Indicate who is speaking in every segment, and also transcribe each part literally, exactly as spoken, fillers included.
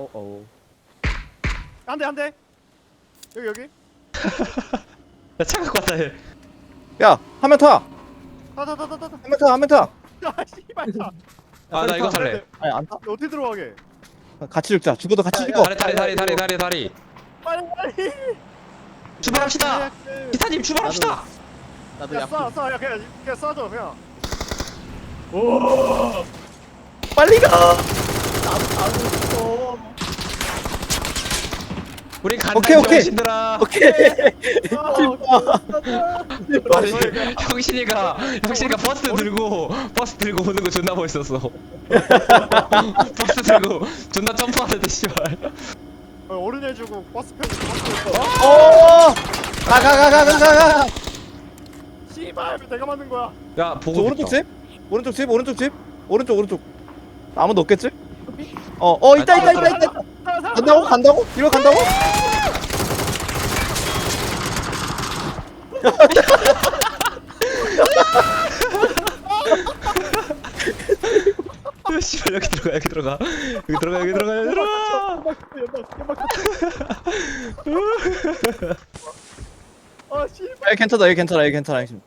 Speaker 1: 어어.
Speaker 2: 한 대, 한 대. 여기 여기.
Speaker 3: 야, 차 갖고 왔다 해.
Speaker 1: 야, 한 명 타.
Speaker 2: 타타타타타.
Speaker 1: 한 명 타. 한 명 타.
Speaker 2: 야 씨발 타.
Speaker 3: 아, 나 이거 탈래.
Speaker 1: 아니 안 타.
Speaker 2: 어떻게 들어가게?
Speaker 1: 같이 죽자. 죽어도 같이 죽어.
Speaker 3: 다리, 다리, 다리, 다리, 다리, 다리.
Speaker 2: 빨리 빨리.
Speaker 3: 출발합시다. 기사님 출발합시다.
Speaker 1: 나도
Speaker 2: 야
Speaker 1: 약.
Speaker 2: 쏴, 쏴, 야 그냥 그냥 쏴줘 그냥.
Speaker 1: 빨리 가.
Speaker 3: 우리 간다
Speaker 1: 오케이, 오케이.
Speaker 3: 병신들아.
Speaker 1: 오케이.
Speaker 2: 아,
Speaker 3: 형신이가 형신이가 버스 들고 버스 들고 오는 거 존나 멋있었어. 버스 들고 존나 점프하는데 씨발.
Speaker 2: 어른 해주고 버스 편이 버스.
Speaker 1: 오. 가가가가가가.
Speaker 2: 씨발 왜 내가 맞는 거야?
Speaker 3: 야
Speaker 1: 저
Speaker 3: 보고
Speaker 1: 오른쪽
Speaker 3: 싶다.
Speaker 1: 집? 오른쪽 집? 오른쪽 집? 오른쪽 오른쪽. 아무도 없겠지? 어, 어 있다 있다 있다 있다. 간다고? 간다고? 이거 간다고?
Speaker 3: 아, 씨발 여기 들어가 여기 들어가 여기 들어가 여기 들어가 여기 들어가.
Speaker 2: 아 씨발.
Speaker 1: 야 괜찮다 얘 괜찮아 얘 괜찮아 지금.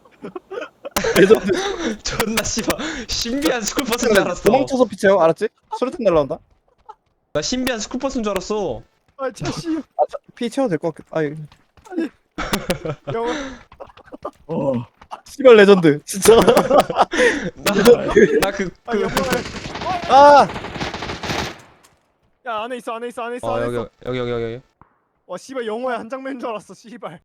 Speaker 1: 레전드.
Speaker 3: 존나 씨발 신비한 스쿨버스인 줄 알았어.
Speaker 1: 도망쳐서 피쳐요 알았지? 수류탄 날라온다.
Speaker 3: 나 신비한 스쿨버스인 줄 알았어.
Speaker 2: 아 차씨.
Speaker 1: 아, 저, 피 채워도 될 것 같겠다. 아,
Speaker 2: 영어.
Speaker 1: 어. 씨발 레전드 진짜.
Speaker 3: 나그
Speaker 2: 아
Speaker 3: 그.
Speaker 2: 영어를.
Speaker 1: 아,
Speaker 2: 야 안에 있어 안에 있어 안에 있어
Speaker 3: 어
Speaker 2: 안에
Speaker 3: 여기
Speaker 2: 있어.
Speaker 3: 여기 여기 여기.
Speaker 2: 와 씨발 영어의 한 장면인 줄 알았어 씨발.